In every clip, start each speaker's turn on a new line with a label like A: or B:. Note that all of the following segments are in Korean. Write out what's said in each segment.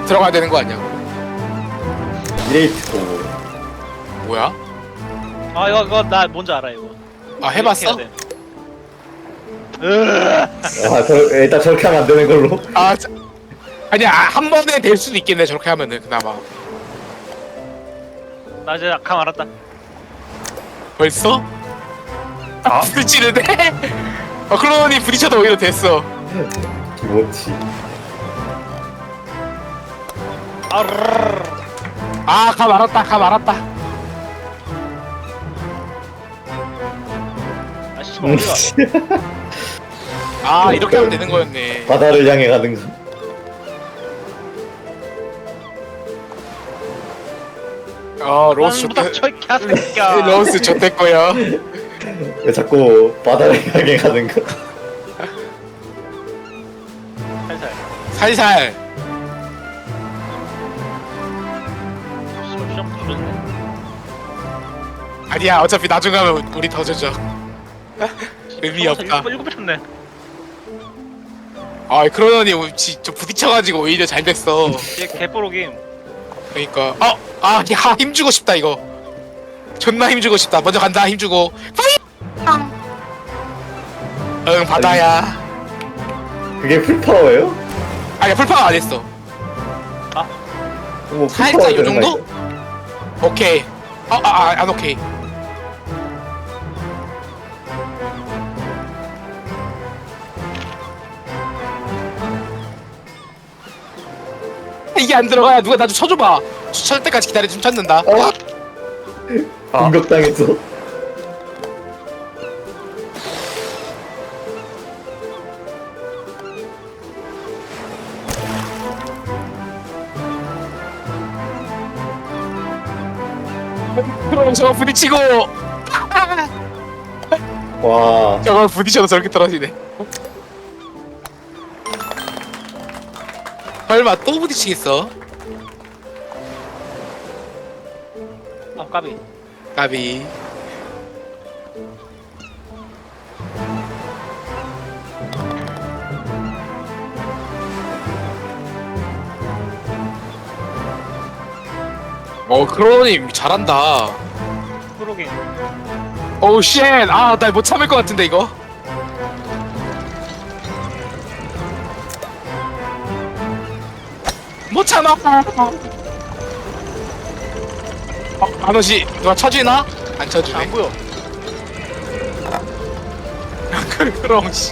A: 들어가야 되는 거 아니야?
B: 이레이트 고.
A: 뭐야?
C: 아 이거 나 뭔지 알아 이거.
A: 아 해봤어?
C: 이렇게 해야 돼.
B: 아, 일단 저렇게 하면 안 되는 걸로.
A: 아 아니야 한 번에 될 수도 있겠네 저렇게 하면은 그나마.
C: 나 이제 감 알았다.
A: 벌써? 아 부딪히는데? 그러니 부딪혀도 오히려 됐어.
B: 기모치.
C: 아르르르.
A: 감 알았다 감 알았다.
C: 아 씨발 어디가?
A: 이렇게 하면 되는 거였네.
B: 바다를 향해 가는 거.
A: 로스
C: 못 닥쳐 이 개새끼야.
A: 로스 좋댔고요.
B: 왜 자꾸 바다를 향해 가는 거?
C: 살살.
A: 살살.
C: 씨발 시험 부르네.
A: 아니야 어차피 나중에 하면 우리 더 져져. 의미 없다.
C: 일곱 미쳤네.
A: 그러더니 저 부딪혀가지고 오히려 잘 됐어.
C: 얘 개뽀록임.
A: 그러니까 힘주고 싶다 이거. 존나 힘주고 싶다. 먼저 간다 힘주고. 응 바다야.
B: 그게 풀파워예요?
A: 아니야 풀파워 안 했어.
B: 뭐
A: 살짝
B: 풀파워
A: 요
B: 되는 거
A: 정도?
B: 아니야?
A: 오케이. 안 오케이. 이게 안 들어가야 누가 나 좀 쳐줘봐. 쳐줄 때까지 기다려 좀 찾는다.
B: 공격당했어.
A: 그럼 저거 부딪히고
B: 와.
A: 저걸 부딪혀도 저렇게 떨어지네. 설마 또 부딪히겠어?
C: 아 까비.
A: 까비. 크로님 잘한다.
C: 프로긴.
A: 오우 쉣. 나 못 참을 것 같은데 이거. 못 참아. 아너씨 누가 쳐주나? 안 쳐주네.
C: 안 보여.
A: 그럼 씨.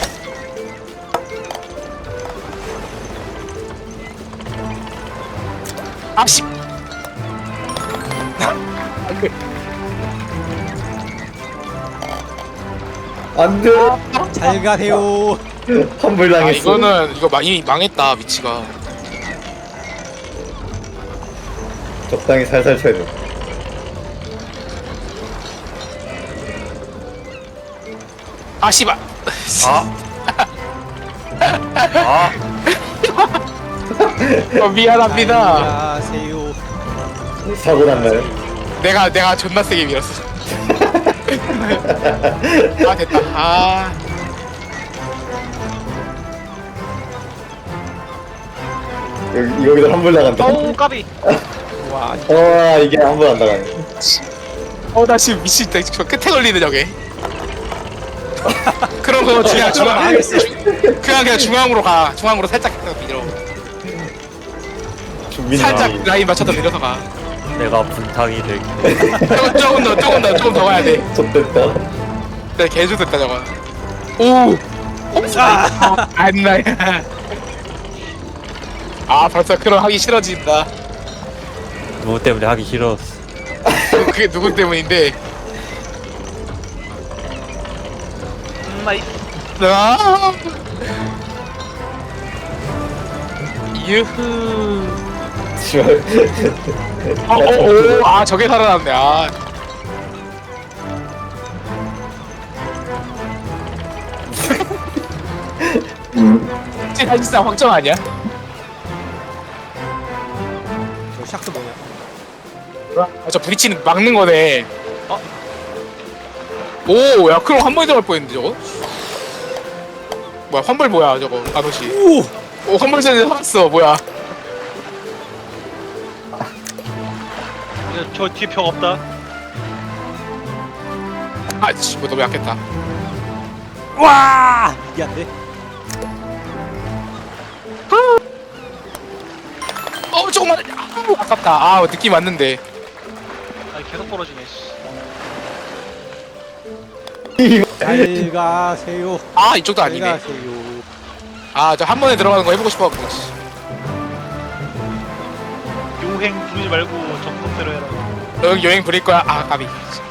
A: 씨.
B: 안 돼.
D: 잘 가세요.
B: 환불 당했어.
A: 이거는 이미 망했다 위치가.
B: 적당히 살살 쳐야 돼.
A: 씨발. 미안합니다.
D: 가세요.
B: 사고 났나요?
A: 내가 존나 세게 밀었어. 됐다.
B: 여기도 환불 나간다.
C: 어우 까비.
D: 와,
B: 이게 환불 안 나가네.
A: 나 지금 미친다. 저 끝에 걸리는 저게. 그런 거 그냥 그냥 중앙으로 가. 중앙으로 살짝 밀어. 살짝 라인 맞춰서 밀어서 가.
E: 내가 분탕이 될게.
A: 조금 더 가야 돼.
B: 좋됐다.
A: 네, 개좋됐다 저거. 오. 안나야. 벌써 그럼 하기 싫어진다.
E: 누구 때문에 하기 싫었어.
A: 그게 누구 때문인데?
C: 나이.
A: 유후.
B: 씨발.
A: 저게 살아났네. 사실상 확정 아니야?
D: 저 샥스 뭐냐?
A: 저 브리치는 막는 거네. 오, 야, 그럼 한 번에 들어갈 뻔했는데 저거? 뭐야, 환불 뭐야 저거? 아노씨. 오, 환불 전에 살았어. 뭐야?
C: 저 뒤에 벽 없다.
A: 아씨 뭐 너무 약했다.
D: 와 이게 안 돼.
A: 조금만. 아깝다. 아 느낌 왔는데.
C: 아 계속 벌어지네. 씨.
D: 잘 가세요.
A: 아 이쪽도
D: 잘
A: 아니네.
D: 가세요.
A: 아 저 한 번에 들어가는 거 해보고 싶어갖고.
C: 요행 부르지 말고 정석대로 해라.
A: 너 여행 부릴 거야. 아 까비.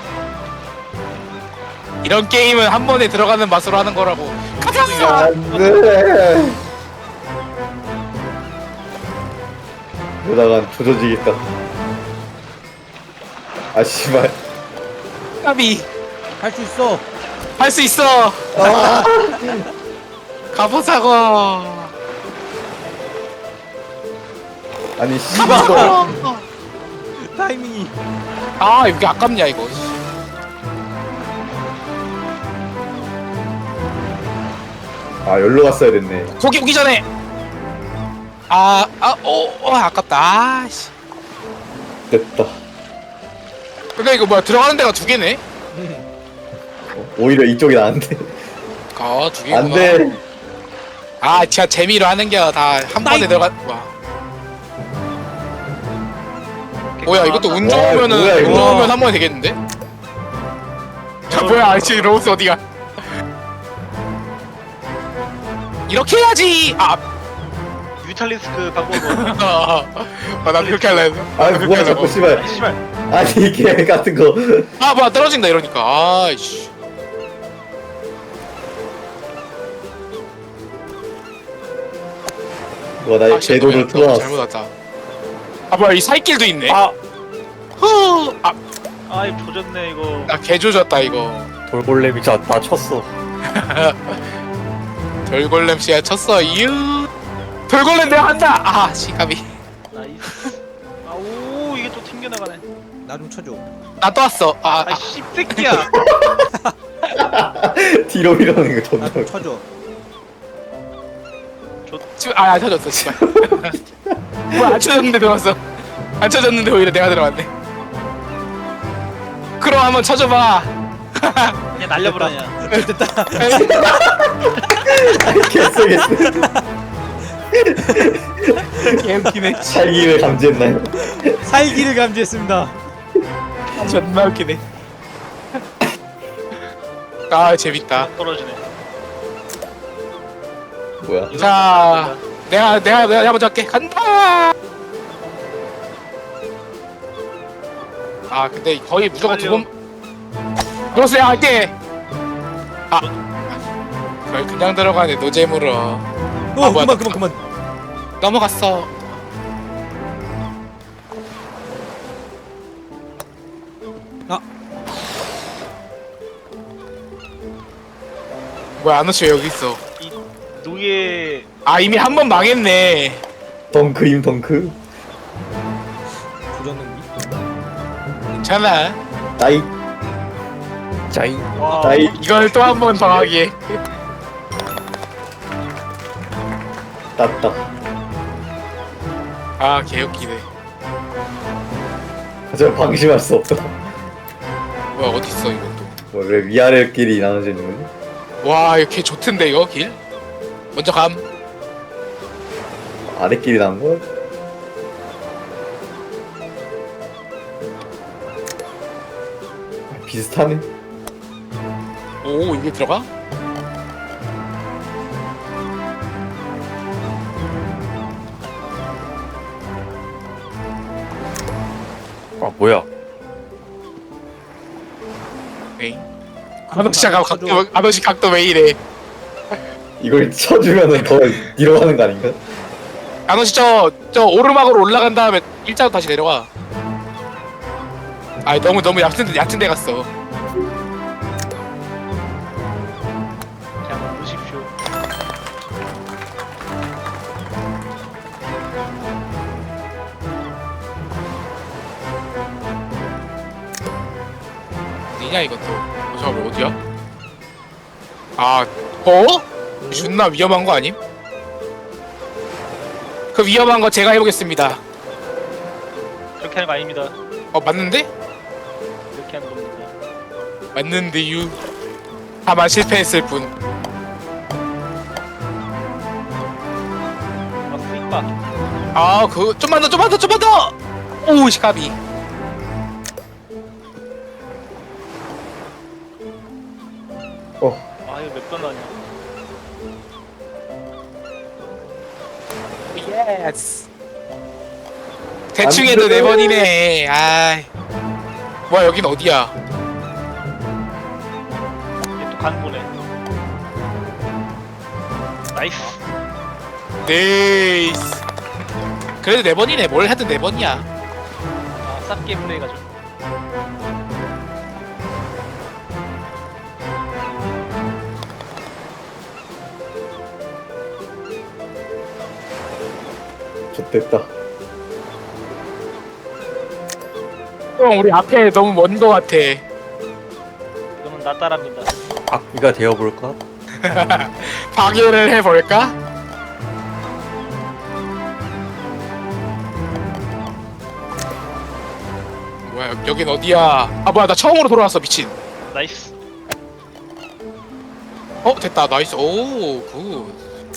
A: 이런 게임은 한 번에 들어가는 맛으로 하는 거라고. 가자.
B: 안돼. 이러다간 조져지겠다. 아 씨발.
A: 까비.
D: 할 수 있어.
A: 할 수 있어. 가보자고.
B: 아니 씨발.
D: 타이밍이.
A: 아 이게 아깝냐 이거.
B: 아 열로 갔어야 됐네.
A: 거기 오기 전에. 아깝다. 아씨.
B: 됐다.
A: 그러니까 이거 뭐야 들어가는 데가 두 개네.
B: 오히려 이쪽이 나은데.
A: 두 개구나.
B: 안돼.
A: 아 진짜 재미로 하는 게 다 한 번에 들어가. 와. 뭐야 이것도 운
B: 와,
A: 좋으면은
B: 뭐야, 이거.
A: 운 좋으면 한 번에 되겠는데? 자 뭐야 아저씨 로우스 어디가? 이렇게 해야지.
C: 뮤탈리스크 방법으로.
A: 난 그렇게 할래.
B: 아 뭐야 자꾸 씨발.
C: 아니 씨발.
B: 아니 개 같은 거.
A: 뭐야 떨어진다 이러니까. 아이씨.
B: 와나 궤도를 틀어놨어.
A: 잘못 왔다. 뭐야 이 살길도 있네.
C: 아이 조졌네 이거.
A: 나 개조졌다 이거.
E: 돌골렘이 나 쳤어.
A: 돌골렘 씨가 쳤어. 이유. 돌골렘 내가 한다. 시가비.
C: 나이스. 아오 이게 또 튕겨나가네.
D: 나 좀 쳐줘.
A: 나 또 왔어.
C: 아 씹새끼야.
B: 뒤로 밀어내는 거 존나.
D: 나 좀 쳐줘.
A: 안 쳐졌어. 씨발. 뭐야 안 쳐졌는데 들어왔어. 안 쳐졌는데 오히려 내가 들어왔네. 그럼 한번 쳐줘봐.
C: 그냥 날려버려.
D: 됐다.
B: 개쎄겠어.
A: 개웃기네.
B: 살기를 감지했나요?
D: 살기를 감지했습니다.
A: 존나 웃기네. 재밌다.
C: 떨어지네.
B: 뭐야?
A: 자, 내가 먼저 할게. 간다. 근데 거의 무조건 두 번. 그렇어요, 할게. 거의 그냥 들어가네 노잼으로. 뭐야,
D: 그만.
A: 넘어갔어. 뭐야 아노씨 왜 여기 있어?
C: 이 노예
A: 이미 한 번 망했네.
B: 덩크임 덩크.
D: 조졌는데.
A: 괜찮아.
B: 나이
E: 짜이.
C: 와
B: 나이.
A: 이걸 또 한 번 더 하기에.
B: 땄다.
A: 개웃기네.
B: 하지만 방심할 수 없다.
A: 뭐야 어딨어 이것도.
B: 왜 위아래끼리 나눠져 있는 거지?
A: 와 이거 개 좋던데 이거 길? 먼저 감.
B: 아래끼리 나온 거? 비슷하네.
A: 오 이게 들어가?
E: 뭐야?
A: 에이. 아저씨 각도 왜 이래?
B: 이걸 쳐주면은 더 뒤로 가는 거 아닌가?
A: 아저씨 저 오르막으로 올라간 다음에 일자로 다시 내려와. 너무 얕은 데 갔어.
C: 그냥 보십시오.
A: 어디냐 이것도. 잠깐만 어디야? 존나 위험한 거 아님? 그 위험한 거 제가 해보겠습니다.
C: 그렇게 하는 거 아닙니다.
A: 맞는데?
C: 이렇게 하는 겁니다.
A: 맞는데유. 다만 실패했을 뿐.
C: 아 스윗박.
A: 좀만 더. 오, 시카비.
C: 아 이거 몇 번 나냐?
A: 예스. 대충 해도 4번이네. 아이. 뭐야, 여긴 어디야?
C: 얘 또 가는 거네. 나이스.
A: 네이스. 그래도 4번이네. 뭘 해도 4번이야.
C: 아 쌉게 플레이가지고.
B: 좋됐다.
A: 형, 우리 앞에 너무 먼 거 같아.
C: 이거는 나 따라합니다.
E: 악기가 되어볼까?
A: 방해를 해볼까? 뭐야, 여긴 어디야? 뭐야, 나 처음으로 돌아왔어, 미친.
C: 나이스.
A: 됐다, 나이스. 오, 굿.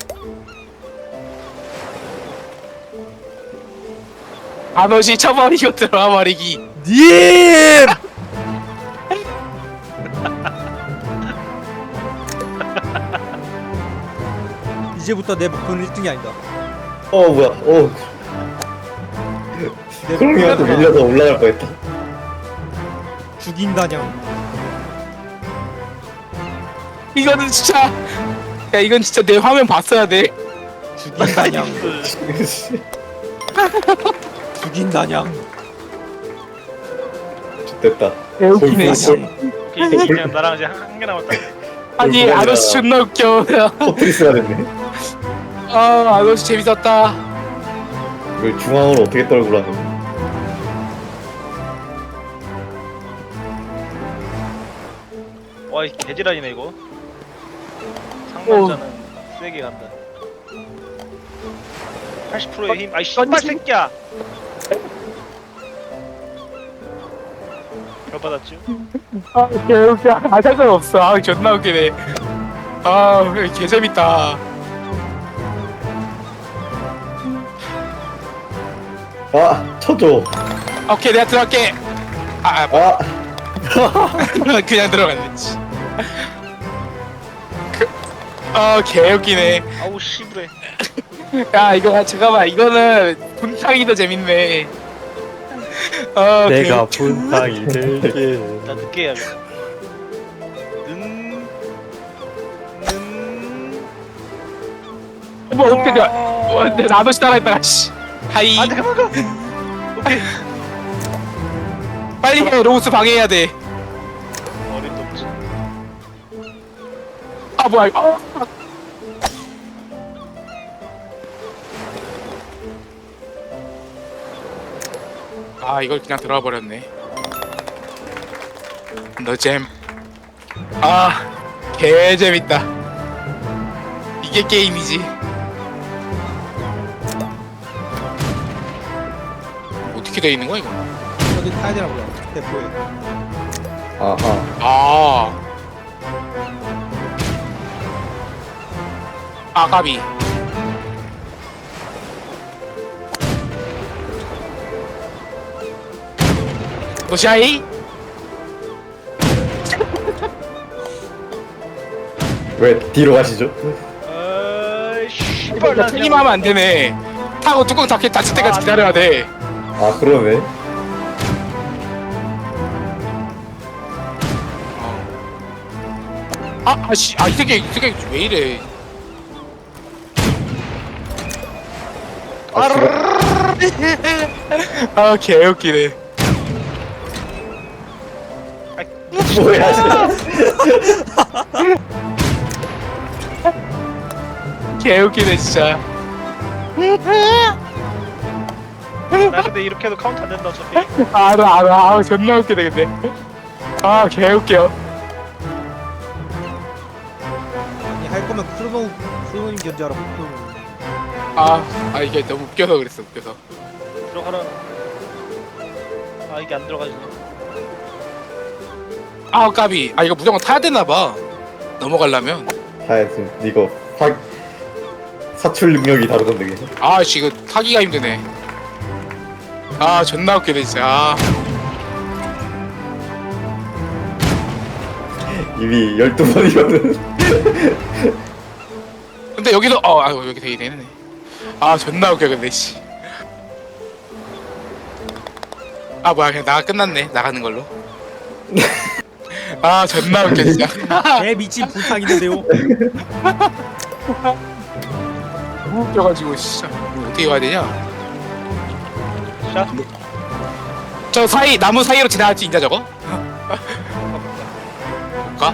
A: 아너시 쳐버리고 들어와버리기.
D: 님! 이제부터 내 목표는 1등이 아니다.
B: 뭐야.
D: 내
B: 크롱이한테
D: 목표는
B: 밀려서 올라갈 뻔했다.
D: 죽인다냥.
A: 이거는 진짜, 야, 이건 진짜 내 화면 봤어야 돼.
D: 죽인다냥.
C: 나이스.
D: 죽인다냥.
B: 좋됐다.
A: 웃기네, 씨.
C: 오케이 이제 그냥 나랑 이제 한 개 남았다.
A: 아니, 아너시 존나 웃겨.
B: 포트리스가 됐네.
A: 아너시 재밌었다.
B: 이걸 중앙으로 어떻게 떨구라는.
C: 와이 개지랄이네 이거. 상남자는 세게 간다. 80%의 힘. 아이 씨발 새끼야. 별 받았죠?
A: 개웃겨. 상관없어. 존나 웃기네. 개재밌다.
B: 쳐줘.
A: 오케이, 내가 들어갈게. 그냥 들어갔네. 씨. 개웃기네.
C: 아우 씨부레.
A: 야, 이거 잠깐만. 이거는 분탕이 더 재밌네.
E: 내가 분탕이 될게.
C: 나 늦게 해야겠다.
A: 뭐 어떻게 돼? 근데 나도 따라했다가 씨. 하이.
C: 안돼 그만 가. 오케이.
A: 빨리 해. 로우스 방해해야 돼.
C: 어림도 없지.
A: 뭐야 이거. 이걸 그냥 들어와 버렸네. 너잼. 개 재밌다. 이게 게임이지. 어떻게 돼 있는 거야 이거?
D: 저기 타야 되라고요. 대포에.
B: 아하.
A: 까비. 노샤이?
B: 왜 뒤로 가시죠?
C: 아이 씨발 나
A: 튀기만 하면 안 되네. 타고 뚜껑 닫힐 때까지 기다려야 돼.
B: 그러네.
A: 이 새끼 왜 이래? 개웃기네.
B: 뭐야.
A: 개웃기네 진짜.
C: 나 근데 이렇게 해도 카운트 안 된다 어차피.
A: 알아. 존나 웃기네 근데. 개웃겨.
D: 아니 할 거면 크로노님 견제하라.
A: 이게 너무 웃겨서 그랬어. 웃겨서.
C: 들어가라. 아 이게 안 들어가지네.
A: 아 까비. 아 이거 무조건 타야 되나봐. 넘어가려면.
B: 타야지. 이거 사출 능력이 다르던데 그게.
A: 아 씨 이거 타기가 힘드네. 아 존나 웃기네 진짜. 아.
B: 이미 12번이거든.
A: 근데 여기도 여기 되게 되네. 아 존나 웃겨 근데 씨. 아 뭐야 그냥 나가 끝났네 나가는 걸로. 아 존나 웃겨 진짜.
D: 개 미친 불탕 있는데요.
A: 너무 웃겨가지고 진짜 이거 어떻게 가야 되냐?
C: 샷.
A: 저 사이 나무 사이로 지나갈 수 있냐 저거? 볼까?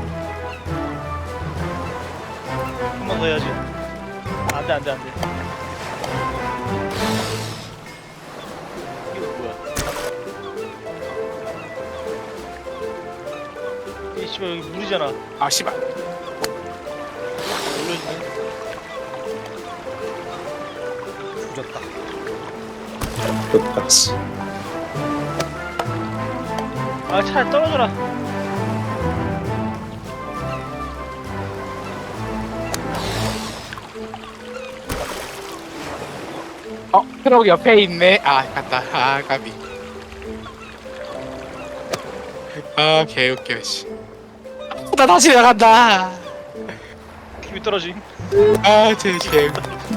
C: 한 번 더 해야지. 안돼 안돼 안돼. 이거 뭐야? 이 씨발 여기 물이잖아.
A: 아 씨발.
C: 올려주네.
D: 죽였다.
B: 좋다.
C: 아 차에 떨어져라.
A: 트럭 옆에 있네. 아 갔다. 아 까비. 아 개웃겨 씨. 나 다시 나간다.
C: 힘이 떨어짐.
A: 아제 개.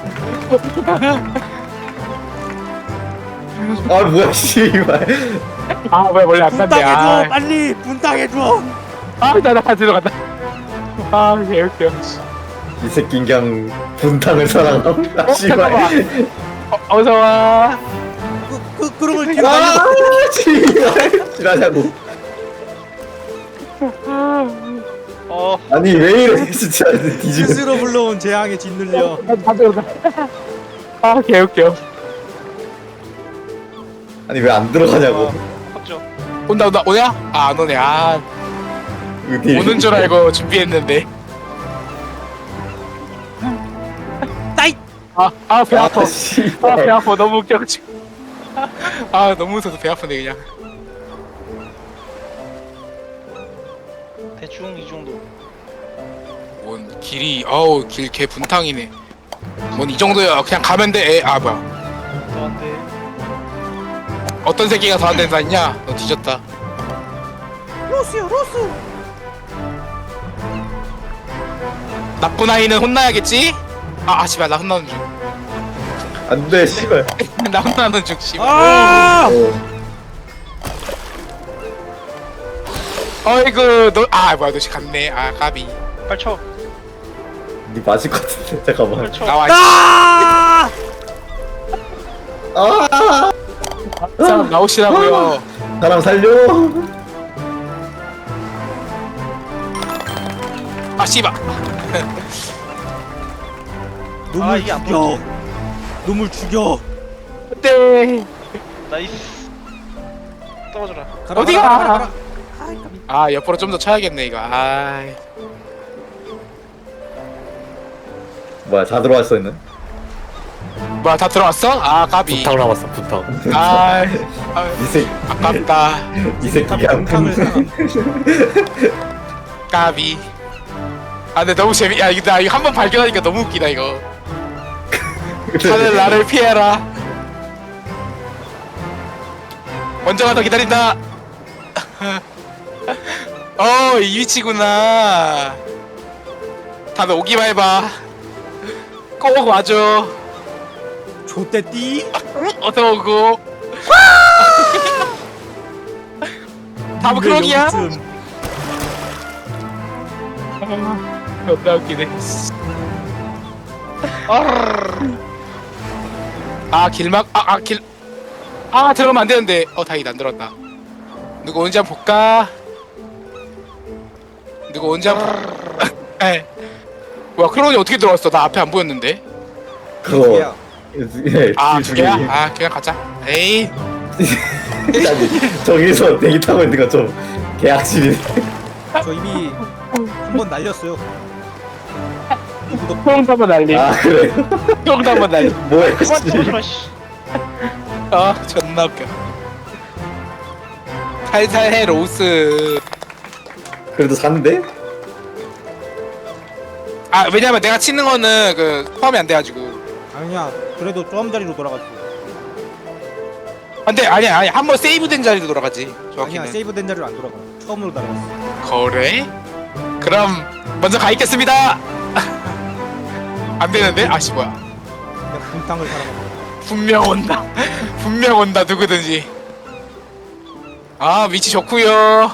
B: 아 뭐야 씨발.
A: 아 뭐야 원래 안 간대.
D: 분탕해줘 빨리 분탕해줘.
A: 아나 들어간다. 아 개웃겨.
B: 이 새끼 그냥 분탕을 사랑함. 아 씨발.
A: 잠깐만. 어서 와.
D: 그럼을 뒤로
B: 아
D: 날려.
B: 씨발. 지랄하고.
C: 아니
B: 아니 왜 이래 진짜 뒤지겠네.
D: 스스로 불러온 재앙에 짓눌려.
A: 다 들어간다. 아 개웃겨.
B: 아니 왜 안 들어가냐고.
C: 확정.
A: 온다 오냐? 아 안 오네. 아
B: 어디
A: 오는 줄 알고 준비했는데.
D: 따이.
A: 배 아파. 아 배
B: 씨발.
A: 아파 너무 웃겨가지고. 아 너무 무서워서 배 아프네 그냥.
C: 대충 이 정도.
A: 뭔 길이 어우 길 개 분탕이네. 뭔 이 정도야 그냥 가면 돼. 아 뭐야
C: 더 안돼.
A: 어떤 새끼가 더 안 된다냐? 너 뒤졌다.
D: 로스야 로스.
A: 나쁜 아이는 혼나야겠지? 아 씨발 나 혼나는 중.
B: 안돼 씨발.
A: 나 혼나는 중 씨발.
D: 아.
A: 어이구 너 뭐야 너 갔네. 아 까비.
C: 빨리 쳐.
B: 니 맞을 것 같은데 잠깐만.
C: 빨리 쳐.
A: 나와.
D: 아.
B: 아
A: 사람 나오시라고요.
B: 사람 살려.
A: 아 씨발.
D: 놈을
C: 이게 안
D: 죽여.
C: 보이지.
D: 놈을 죽여.
A: 네.
C: 나이스. 떨어져라.
D: 가라,
A: 어디가?
D: 가라, 가라, 가라. 아이, 까비.
A: 아 옆으로 좀 더 쳐야겠네 이거. 아.
B: 뭐야 다 들어왔어 있는.
A: 뭐야 다 들어왔어? 아 까비.
E: 부탁 남았어 부탁.
A: 아
B: 이 새끼
A: 아깝다.
B: 이 새끼 그냥
D: 분탕을 사람.
A: 까비. 아 근데 너무 야 이거 나 이거 한 번 발견하니까 너무 웃기다 이거. 하늘 나를 피해라. 먼저 가서 기다린다. 이 위치구나. 다들 오기만 해봐. 꼭 와줘.
D: 좆대띠.
A: 어서 오고. 다음 크록이야? 존나 웃기네. 길막 들어가면 안 되는데. 다행이다 안 들어갔다. 누구 오는지 한번 볼까? 누구 오는지 한번. 에. 뭐야 크론이 어떻게 들어왔어? 나 앞에 안 보였는데.
B: 그거 예,
A: 두 개야? 그냥 가자. 에이.
B: 아니 저기서 대기 타고 있는 거 좀 개악질이네.
D: 저 이미 한 번 날렸어요.
A: 수영도 한번 날림.
B: 아 그래.
A: 수영도 한번 날림.
B: 뭐야
C: 그만
B: 씨.
C: 떨어져라 씨.
A: 존나 웃겨. 살살해 로우스.
B: 그래도 사는데?
A: 아 왜냐면 내가 치는 거는 그 포함이 안 돼가지고.
D: 아니야 그래도 조금 자리로 돌아가지고.
A: 안돼 아니야 아니 한 번 세이브된 자리로 돌아가지.
D: 아니야
A: 정확히는.
D: 세이브된 자리로 안 돌아가. 처음으로 날아갔어.
A: 그래? 그럼 먼저 가 있겠습니다. 안 되는데? 아씨 뭐야?
D: 내가 분탕을 살아먹어.
A: 분명 온다. 분명 온다 누구든지. 아 위치 좋구요.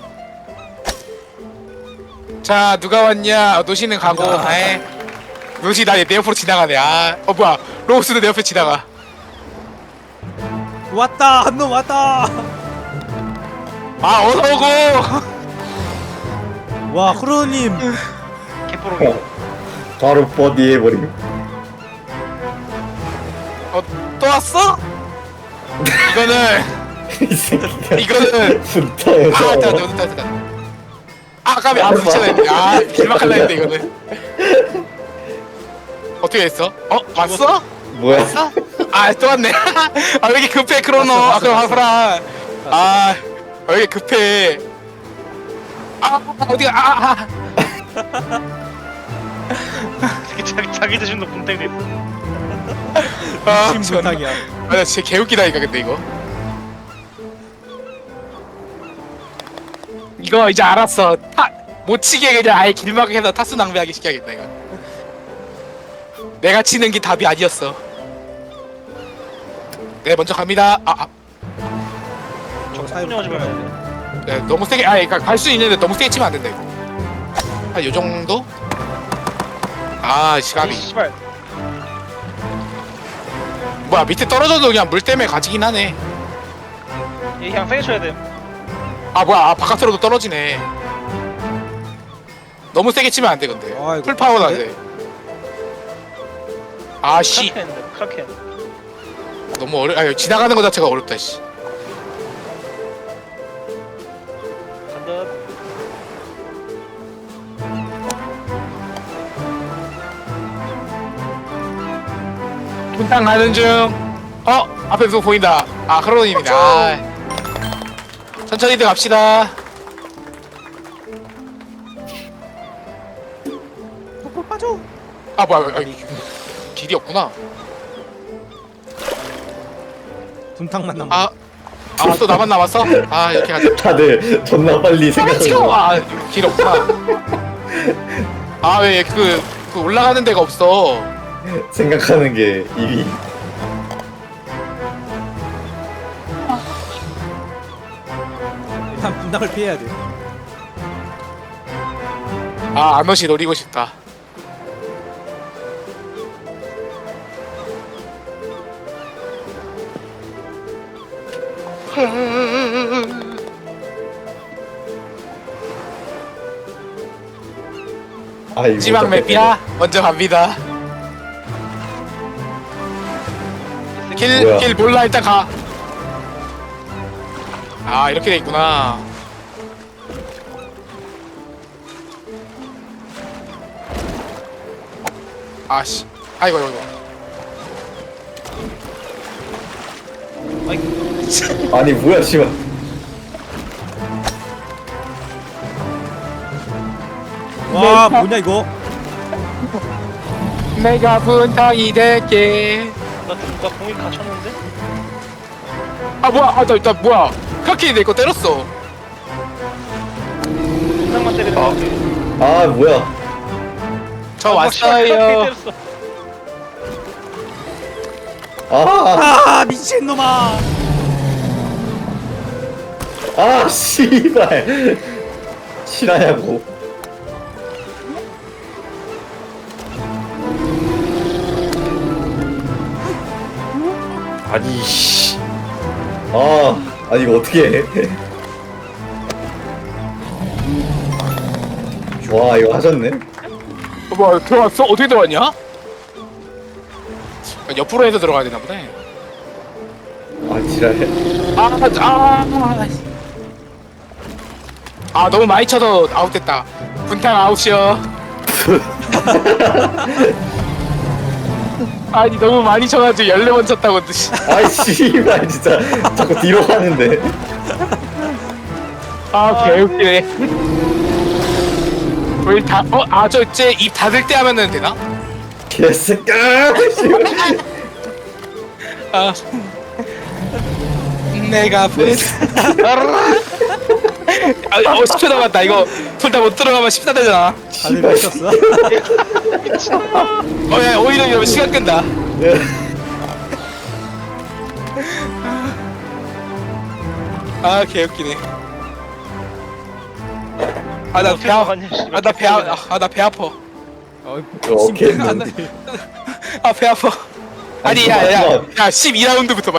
A: 자 누가 왔냐? 노시는 가고. 에. 노시 나 내 옆으로 지나가네. 아, 뭐야? 로우스도 내 옆에 지나가.
D: 왔다 한 놈 왔다.
A: 아 어서 오고.
D: 와 크로님.
C: 개뽀록이.
B: 바로 버디 해버림.
A: 또 왔어? 이거는
B: 이 새끼가.
A: 이거는
B: 분탕에서.
A: 됐다. 아 까비 아 붙여야 했네. 아 길막할라 했네 이거는. 어떻게 했어? 왔어?
B: 뭐야?
A: 아 또 왔네. 아 왜 이렇게 급해 크로노. 아 그럼 하프라. 아 왜 이렇게 급해. 아 어디가
C: 자기 자신도 분탕이 됐어.
A: 아
D: 심
A: 존나.
D: 분탕이야.
A: 아, 나 진짜 개웃기다니까 근데 이거 이제 알았어. 못 치게 그냥 아예 길막해서 타수 낭비하게 시켜야겠다 이거. 내가 치는 게 답이 아니었어. 네 먼저 갑니다.
D: 저 사이로
C: 하지 말아야 돼.
A: 네, 너무 세게 그러니까 갈 수 있는데 너무 세게 치면 안 된다 이거. 한 요 정도? 아 시간이
C: 씨발.
A: 뭐야 밑에 떨어져도 그냥 물 때문에 가지긴 하네.
C: 얘 그냥 세게 쳐야 돼.
A: 아 뭐야 바깥으로도 떨어지네. 너무 세게 치면 안 돼 근데.
D: 아이고,
A: 풀 파워도 안 돼. 아씨
C: 크라켄.
A: 너무 아니 지나가는 거 자체가 어렵다 씨.
C: 간다.
A: 분탕 가는 중. 앞에 누구 보인다. 아 크로님이다. 천천히들 갑시다.
D: 뽀뽀 빠져.
A: 아 뭐야 길이 없구나.
D: 분탕만 남아.
A: 아 또 나만 남았어? 아 이렇게 가자.
B: 다들 존나 빨리 생각하고.
A: 길 없구나. 아 왜 그 올라가는 데가 없어.
B: 생각하는 게 입이.
D: 일단 분탕을 피해야 돼.
A: 아 아너시 노리고 싶다.
B: 아, 이거
A: 마지막
B: 어떡해.
A: 맵이야. 먼저 갑니다.
B: 뭐야?
A: 길 몰라 일단 가. 아 이렇게 돼 있구나. 아씨 아이고
B: 아니 뭐야 씨발.
D: 와 뭐냐 이거.
A: 내가 분탕이 될게.
C: 나 공이 갇혔는데?
A: 아 뭐야 나 뭐야 크라켄이 내 거 때렸어.
C: 분탕만 때리는 거.
B: 아 뭐야.
A: 저 왔어요.
B: 아,
D: 미친놈아.
B: 아 씨발. 실화냐고.
E: 아니 씨.
B: 아니 이거 어떻게 해? 와 이거 하셨네.
A: 뭐야 들어왔어? 어떻게 들어왔냐? 옆으로 해서 들어가야 되나 보네.
B: 아 지랄해.
A: 너무 많이 쳐서 아웃됐다. 분탕 아웃이요. 아니 너무 많이 쳐가지고 14번 쳤다고.
B: 아이 씨발 진짜 자꾸 뒤로 가는데.
A: 아 개웃기네. 우리 다저이제 입 닫을 때 하면은 되나?
B: 개새끼야.
A: 아 내가 부르스. 10초 남았다. 이거 둘 다 못 들어가면 14 되잖아.
D: 다들 미쳤어?
A: 야 오히려 이러면 시간 끈다. 아 개웃기네. 아나 배 아파. 나 배 아파.
B: 오케이.
A: 아 배 아파. 아니 야야 12라운드부터